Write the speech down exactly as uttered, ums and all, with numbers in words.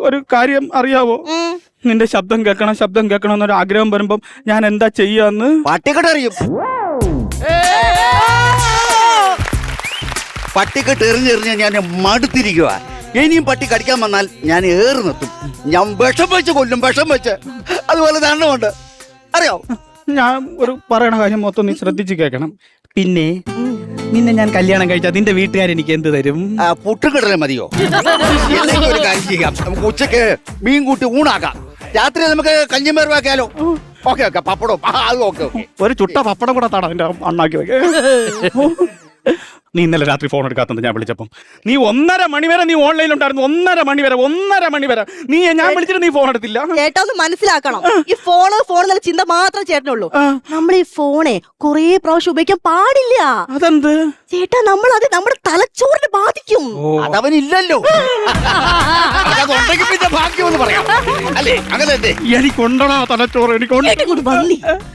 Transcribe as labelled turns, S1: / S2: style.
S1: ഒരു കാര്യം അറിയാവോ? നിന്റെ ശബ്ദം കേൾക്കണം ശബ്ദം കേൾക്കണം എന്നൊരു ആഗ്രഹം വരുമ്പം ഞാൻ എന്താ ചെയ്യാന്ന്
S2: പട്ടിക്കെട്ട് അറിയും. പട്ടിക്കെട്ട് എറിഞ്ഞെറിഞ്ഞ് ഞാൻ മടുത്തിരിക്കുക. ഇനിയും പട്ടി കടിക്കാൻ വന്നാൽ ഞാൻ ഏറ് നിർത്തും. ഞാൻ വിഷം വെച്ച് കൊല്ലും, വിഷം വെച്ച്. അതുപോലെ ദണ്ണമുണ്ട്, അറിയോ?
S1: ഞാൻ ഒരു പറയണ കാര്യം മൊത്തം നീ ശ്രദ്ധിച്ച് കേൾക്കണം. പിന്നെ നിന്നെ ഞാൻ കല്യാണം കഴിച്ചാൽ നിന്റെ വീട്ടുകാർ എനിക്ക് എന്ത് തരും?
S2: പുട്ടും കിടലേ മതിയോ? എന്തെങ്കിലും ഒരു കാര്യം ചെയ്യാം. നമുക്ക് ഉച്ചക്ക് മീൻ കൂട്ടി ഊണാക്കാം. രാത്രി നമുക്ക് കഞ്ഞിമേറുവാക്കിയാലോ? ഓക്കെ ഓക്കെ പപ്പടം അത് ഓക്കെ ഓക്കെ.
S1: ഒരു ചുട്ട പപ്പടം കൂടെ താടാ എന്റെ അണ്ണാക്കി വെക്ക. നീ ഇന്നലെ രാത്രി ഫോൺ എടുക്കാത്തത് ഞാൻ വിളിച്ചപ്പം നീ ഒന്നര മണി വരെ നീ ഓൺലൈനിൽ ഉണ്ടായിരുന്നു. ഒന്നര മണി വരെ ഒന്നര മണി വരെ നീ ഞാൻ വിളിച്ചിട്ട് നീ ഫോൺ എടുത്തില്ല.
S3: ചേട്ടാ ഒന്ന് മനസ്സിലാക്കണം, ഈ ഫോണ് ഫോൺ എന്നുള്ള ചിന്ത മാത്രം ചേട്ടനുള്ളൂ. നമ്മൾ ഈ ഫോണെ കൊറേ പ്രാവശ്യം ഉപയോഗിക്കാൻ പാടില്ല.
S1: അതെന്ത്
S3: ചേട്ടാ? നമ്മൾ അത് നമ്മുടെ തലച്ചോറിനെ ബാധിക്കും.
S2: അതവനില്ലല്ലോ. അതുണ്ടെങ്കിൽ പിന്നെ ഭാഗ്യം എന്ന് പറയാം അല്ലേ? അങ്ങനെ
S1: എനിക്കുണ്ടോ തലച്ചോറ്? എനിക്ക്